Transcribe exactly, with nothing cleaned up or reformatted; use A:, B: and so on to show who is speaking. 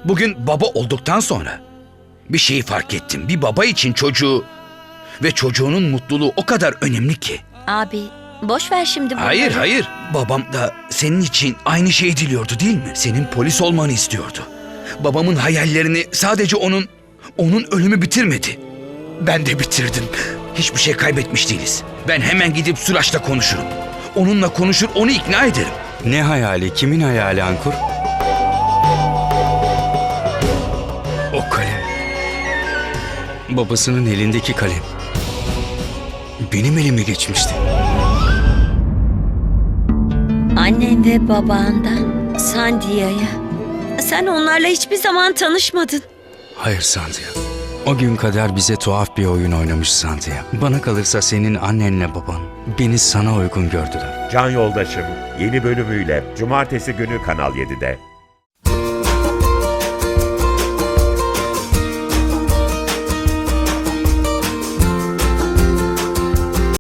A: Bugün baba olduktan sonra bir şeyi fark ettim. Bir baba için çocuğu ve çocuğunun mutluluğu o kadar önemli ki.
B: Abi boş ver şimdi bunları.
A: Hayır hayır. Babam da senin için aynı şeyi diliyordu değil mi? Senin polis olmanı istiyordu. Babamın hayallerini sadece onun, onun ölümü bitirmedi. Ben de bitirdim. Hiçbir şey kaybetmiş değiliz. Ben hemen gidip Suraç'la konuşurum. Onunla konuşur, onu ikna ederim.
C: Ne hayali? Kimin hayali Ankur? O kalem. Babasının elindeki kalem. Benim elime geçmişti.
B: Annen ve babandan Sandia'ya. Sen onlarla hiçbir zaman tanışmadın.
C: Hayır Sandia. O gün kader bize tuhaf bir oyun oynamış Sandia. Bana kalırsa senin annenle baban beni sana uygun gördüler.
D: Can Yoldaşım yeni bölümüyle Cumartesi günü Kanal yedide.